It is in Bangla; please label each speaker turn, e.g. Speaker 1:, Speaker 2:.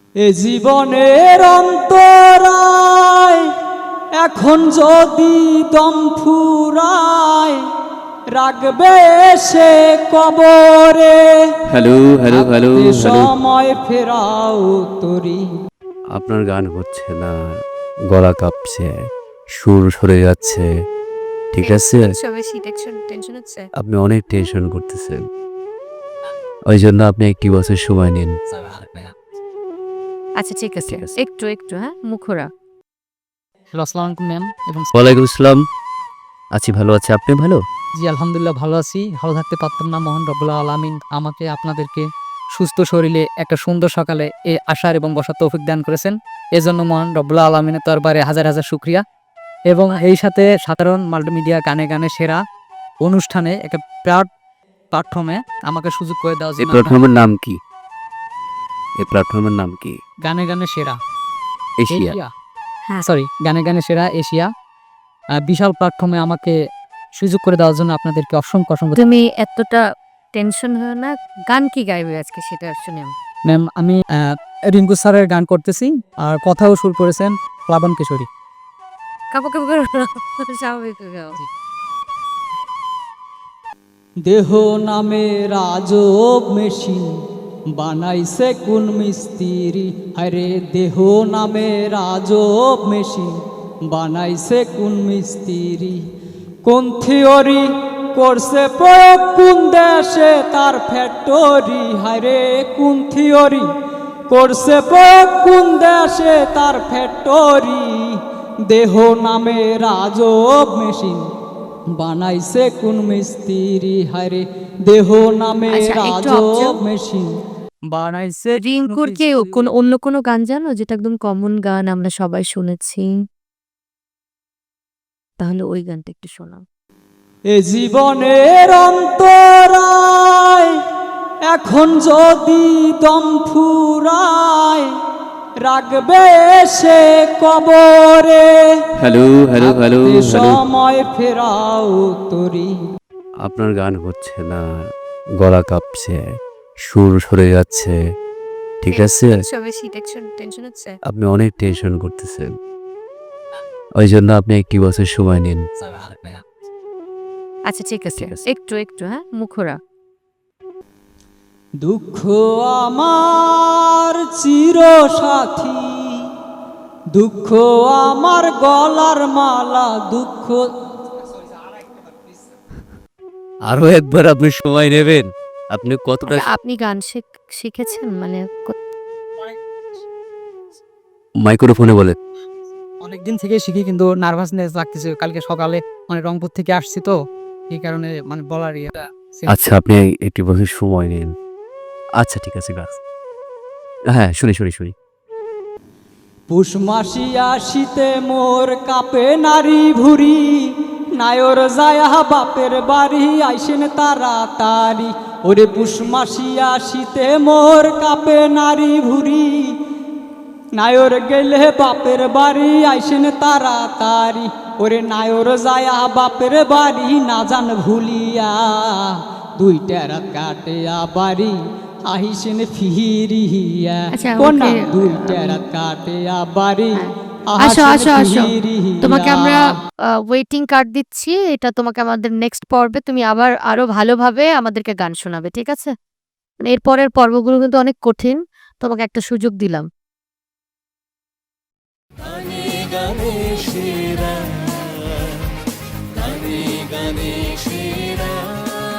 Speaker 1: এ জীবনের অন্তরায় এখন যদি দম ফুরায় রাখবে সে কবরে।
Speaker 2: হ্যালো হ্যালো হ্যালো হ্যালো
Speaker 1: সময় ফেরাও তরি।
Speaker 2: আপনার গান হচ্ছে না, গলা কাঁপছে, সুর সরে যাচ্ছে, ঠিক আছে?
Speaker 3: বেশি টেনশন হচ্ছে।
Speaker 2: আপনি অনেক টেনশন করতেছেন, ওই জন্য আপনি 1 বছর সময় নিন।
Speaker 3: আচ্ছা ঠিক আছে,
Speaker 2: ঠিক আছে।
Speaker 3: একটু হ্যাঁ, মুখরা।
Speaker 1: হ্যালো, আসসালামু আলাইকুম ম্যাম এবং
Speaker 2: ওয়ালাইকুম আসসালাম। আছি, ভালো আছে, আপনি ভালো?
Speaker 1: জি আলহামদুলিল্লাহ ভালো আছি। ভালো থাকতে পারতাম না, মহান রব্বুল আলামিন আমাকে আপনাদেরকে সুস্থ শরীরে একটা সুন্দর সকালে আসার এবং বসার তৌফিক দান করেছেন। এজন্য মহান রব্বুল আলামিনের দরবারে হাজার হাজার শুকরিয়া। এবং এই সাথে সাধারণ মাল্টিমিডিয়া গানে গানে সেরা অনুষ্ঠানে একটা প্ল্যাটফর্মে আমাকে সুযোগ করে দেওয়ার
Speaker 2: এই
Speaker 1: জন্য
Speaker 2: প্ল্যাটফর্মের নাম কি? এই প্ল্যাটফর্মের নাম কি?
Speaker 1: গানে গানে সেরা
Speaker 2: এশিয়া।
Speaker 3: হ্যাঁ।
Speaker 1: সরি, গানে গানে সেরা এশিয়া বিশাল প্ল্যাটফর্মে আমাকে সুযোগ করে দেওয়ার জন্য আপনাদেরকে অসংখ্য অসংখ্য।
Speaker 3: তুমি এতটা টেনশন হও না। গান কি গাইবে আজকে সেটা শুনে
Speaker 1: ম্যাম আমি রিঙ্কু স্যারের গান করতেছি, আর কথাও সুর করেছেন প্লাবন কিশোরী।
Speaker 3: কাপড় কাপড় স্বাভাবিক গাও।
Speaker 1: দেহ নামে রাজব মেশিন বানাইছে কোন মিস্ত্রি। আরে দেহ নামে রাজব মেশিন বানাইছে কোন মিস্ত্রি। কোন থিওরি করছে প্রয়োগ কোন দেশে তার ফ্যাক্টরি। হায়রে কোন থিওরি করছে প্রয়োগ কোন দেশে তার ফ্যাক্টরি। দেহ নামে রাজব মেশিন বানাইছে কোন মিস্ত্রি। হায়রে দেহ নামে
Speaker 3: আচ্ছা, একটু
Speaker 1: রাজব
Speaker 3: observe।
Speaker 1: মেশিন বানাইছে কোন
Speaker 3: রিঙ্কুর কি
Speaker 1: মিস্ত্রি।
Speaker 3: অন্য কোনো গান জানো যেটা একদম কমন গান আমরা সবাই শুনেছি? তাহলে ওই গানটা একটু শোনাও।
Speaker 1: এ জীবনের অন্তরায় এখন যদি দম ফুরায় রাখবে সে কবরে।
Speaker 2: হ্যালো হ্যালো হ্যালো হ্যালো
Speaker 1: সময় ফেরাও তরি।
Speaker 2: আপনার গান হচ্ছে না, গলা কাঁপছে, সুর সরে যাচ্ছে, ঠিক আছে?
Speaker 3: বেশি টেনশন হচ্ছে।
Speaker 2: আপনি অনেক টেনশন করতেছেন, ওই জন্য আপনি 1 বছর সময় নিন।
Speaker 3: আচ্ছা ঠিক আছে,
Speaker 2: ঠিক আছে।
Speaker 3: একটু হ্যাঁ, মুখরা।
Speaker 1: দুঃখ আমার চির সাথী, দুঃখ আমার গলার মালা। দুঃখ
Speaker 2: আরো একবার আপনি সময় নেবেন। আপনি কতটা
Speaker 3: আপনি গান শিখেছেন মানে
Speaker 2: মাইক্রোফোনে বলেন।
Speaker 1: অনেকদিন থেকে শিখি, কিন্তু নার্ভাসনেস লাগতেছে। কালকে সকালে মানে রংপুর থেকে আসছি তো, এই কারণে মানে বলার ইয়েটা।
Speaker 2: আচ্ছা, আপনি 1 বছর সময় নিন। আচ্ছা ঠিক আছে, গাছ। হ্যাঁ, শুনি।
Speaker 1: পুষ মাসি আসিতে মোর কাপে নারী ভুরি। নায়র যায়া বাপের বাড়ি আইসেন তাড়াতাড়ি। ওরে পুষ মাসি আসিতে মোর কাপে নারী ভুরি। নায়র গেলে বাপের বাড়ি আইসেন তাড়াতাড়ি। ওরে নায়র যায়া বাপের বাড়ি না জান ভুলিয়া। 2টা রাত কাটে বাড়ি আহিসেন ফিরিয়া।
Speaker 3: আচ্ছা,
Speaker 1: কোনা
Speaker 3: ওকে।
Speaker 1: 2টা রাত কাটে বাড়ি
Speaker 3: আসো
Speaker 1: আহিসেন
Speaker 3: আসো। তোমাকে আমরা ওয়েটিং কার্ড দিচ্ছি। এটা তোমাকে আমাদের নেক্সট পর্বে তুমি আবার আরো ভালোভাবে আমাদেরকে গান শোনাবে, ঠিক আছে? মানে এর পরের পর্বগুলো কিন্তু অনেক কঠিন, তোমাকে একটা সুযোগ দিলাম।
Speaker 4: গানে গানে সেরা, গানে গানে সেরা।